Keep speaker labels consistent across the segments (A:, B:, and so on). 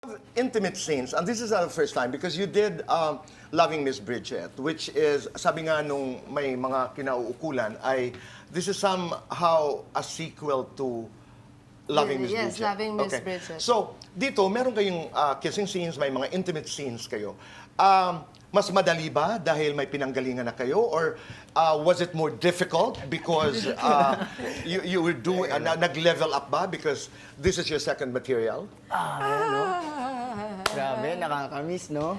A: Intimate scenes, and this is our first time because you did Loving Miss Bridget, which is, sabi nga nung may mga kinauukulan, ay this is somehow a sequel to Loving Miss
B: Yes,
A: Bridget.
B: Loving Miss Bridget.
A: So, dito, meron kayong kissing scenes, may mga intimate scenes kayo. Mas madali ba dahil may pinanggalingan na kayo? Or was it more difficult because you were doing, nag-level up ba because this is your second material?
C: Grabe, nakakamiss, no?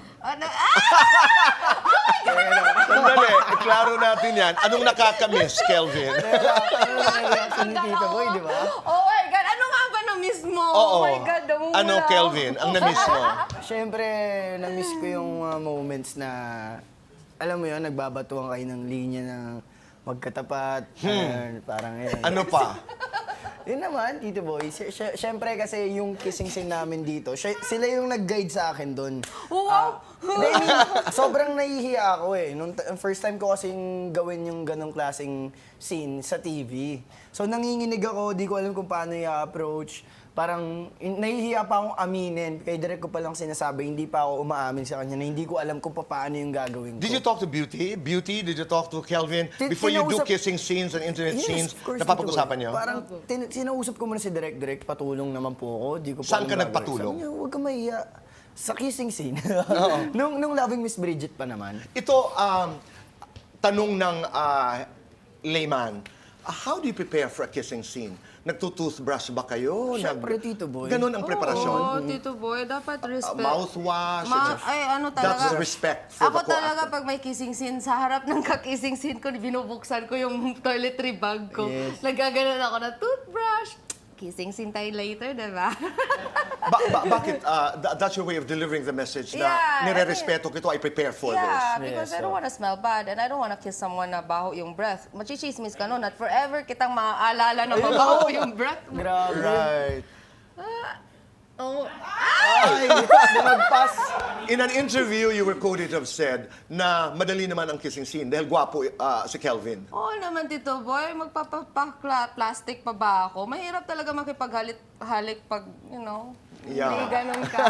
A: Sandali, klaro natin yan. Anong nakakamiss, Kelvin?
C: Reaction ni Tito Boy, di ba?
B: Oh my God! Ano nga ba na-miss mo?
A: Oo.
B: Oh my God, namumula
A: Ano,
B: ako.
A: Kelvin? Ang na-miss mo?
C: Siyempre, na-miss ko yung moments na, alam mo yun, nagbabatuan kayo ng linya na magkatapat. Parang yun.
A: Ano pa?
C: Yun naman, Tito Boy. Siyempre kasi yung kissing scene namin dito, sila yung nag-guide sa akin doon.
B: Wow!
C: Hindi, I mean, sobrang nahihiya ako eh. Nung first time ko kasing gawin yung ganong klaseng scene sa TV. So nanginginig ako, di ko alam kung paano i-approach. Parang nahihiya pa akong aminin. Kaya direct ko palang sinasabi, hindi pa ako umaamin sa kanya na hindi ko alam kung paano yung gagawin ko.
A: Did you talk to Beauty? Beauty, did you talk to Kelvin? Before you do kissing scenes and intimate scenes,
C: of course,
A: napapag-usapan
C: Tito
A: niyo?
C: Boy. Parang sinausap ko muna si Direk, patulong naman po ako. Di ko po
A: Saan
C: alam
A: ka
C: gagawin.
A: nagpatulong?
C: Sabi niya, huwag ka mahiya. Sa kissing scene. nung Loving Miss Bridget pa naman.
A: Ito, tanong ng layman. How do you prepare for a kissing scene? Nagtutoothbrush ba kayo?
C: Siyempre, Tito Boy.
A: Ganon ang preparasyon?
B: Oo, Tito Boy, dapat respect.
A: Mouthwash.
B: Ay, ano talaga.
A: That's respect for
B: Ako
A: the
B: talaga,
A: co-actor.
B: pag may kissing scene, sa harap ng kakissing scene ko, binubuksan ko yung toiletry bag ko.
C: Yes.
B: Nagaganon ako na toothbrush. Kissing scene tayo later, diba?
A: Bakit? That's your way of delivering the message na
B: Yeah,
A: nire-respeto kito, I prepare for
B: Yeah,
A: this.
B: because
C: Yes,
B: I don't wanna smell bad and I don't wanna kiss someone na baho yung breath. Machichismis ka nun at forever kitang maaalala na mabaho yung breath mo.
C: Grabe.
A: Right.
B: Oh.
C: Ay, lumagpas.
A: In an interview, you were quoted to have said na madali naman ang kissing scene dahil gwapo si Kelvin.
B: Oo naman, Tito Boy. Magpapapla-plastic pa ba ako? Mahirap talaga makipaghalik pag, you know,
A: Yeah.
B: hindi ganun ka.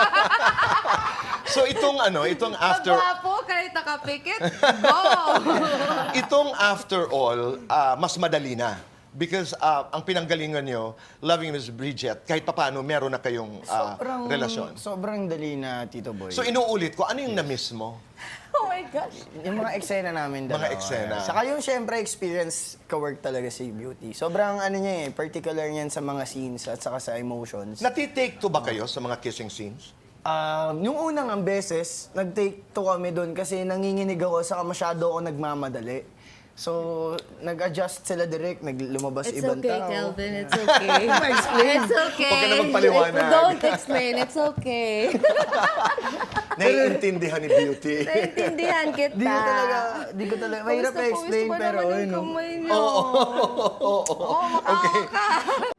A: So itong after...
B: Pagwapo, kahit nakapikit, go!
A: Itong after all, mas madali na. Because ang pinanggalingan nyo, Loving Miss Bridget, kahit papaano, meron na kayong relasyon.
C: Sobrang dali na, Tito Boy.
A: So inuulit ko, ano yung na-miss mo?
B: Oh my gosh.
C: Yung mga eksena namin dalawa.
A: Mga eksena.
C: Saka yung syempre experience ka-work talaga si Beauty. Sobrang ano niya particular niyan sa mga scenes at saka sa emotions.
A: Natitake to ba kayo sa mga kissing scenes?
C: Yung unang ang beses, nag-take to kami doon kasi nanginginig ako saka masyado ako nagmamadali. So, nag-adjust sila direct, lumabas
B: It's
C: ibang
B: okay,
C: tao.
B: Kelvin. It's okay. It's okay.
A: Huwag ka na magpaliwanag.
B: Don't explain. It's okay.
A: Naiintindihan ni Beauty.
B: Naintindihan kita.
C: Di ko talaga, mahirap
B: Pawis na
C: i-explain
B: pawis pa
C: pero
B: naman
C: ayun.
B: yung
C: no.
B: kamay niyo. Oo, makaka ka.